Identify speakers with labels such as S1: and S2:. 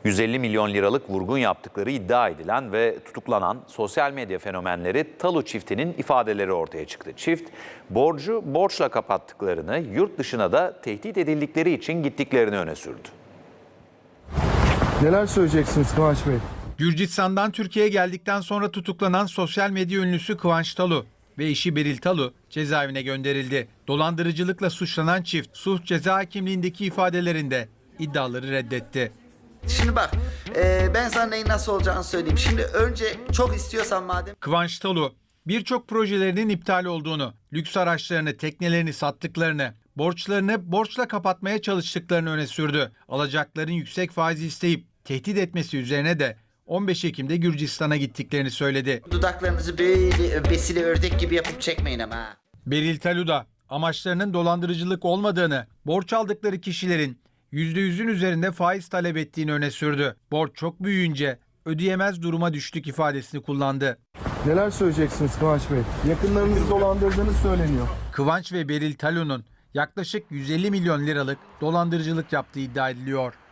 S1: 150 milyon liralık vurgun yaptıkları iddia edilen ve tutuklanan sosyal medya fenomenleri Talu çiftinin ifadeleri ortaya çıktı. Çift, borcu borçla kapattıklarını, yurt dışına da tehdit edildikleri için gittiklerini öne sürdü.
S2: Neler söyleyeceksiniz Kıvanç Bey?
S3: Gürcistan'dan Türkiye'ye geldikten sonra tutuklanan sosyal medya ünlüsü Kıvanç Talu ve eşi Beril Talu cezaevine gönderildi. Dolandırıcılıkla suçlanan çift suç ceza hakimliğindeki ifadelerinde iddiaları reddetti.
S4: Şimdi bak ben sana neyin nasıl olacağını söyleyeyim. Şimdi önce çok istiyorsan madem.
S3: Kıvanç Talu birçok projelerinin iptal olduğunu, lüks araçlarını, teknelerini sattıklarını, borçlarını borçla kapatmaya çalıştıklarını öne sürdü. Alacakların yüksek faiz isteyip tehdit etmesi üzerine de 15 Ekim'de Gürcistan'a gittiklerini söyledi.
S4: Dudaklarınızı böyle besili ördek gibi yapıp çekmeyin ama.
S3: Beril Talu da amaçlarının dolandırıcılık olmadığını, borç aldıkları kişilerin %100'ün üzerinde faiz talep ettiğini öne sürdü. Borç çok büyüyünce ödeyemez duruma düştük ifadesini kullandı.
S2: Neler söyleyeceksiniz Kıvanç Bey? Yakınlarınızı dolandırdığınız söyleniyor.
S3: Kıvanç ve Beril Talu'nun yaklaşık 150 milyon liralık dolandırıcılık yaptığı iddia ediliyor.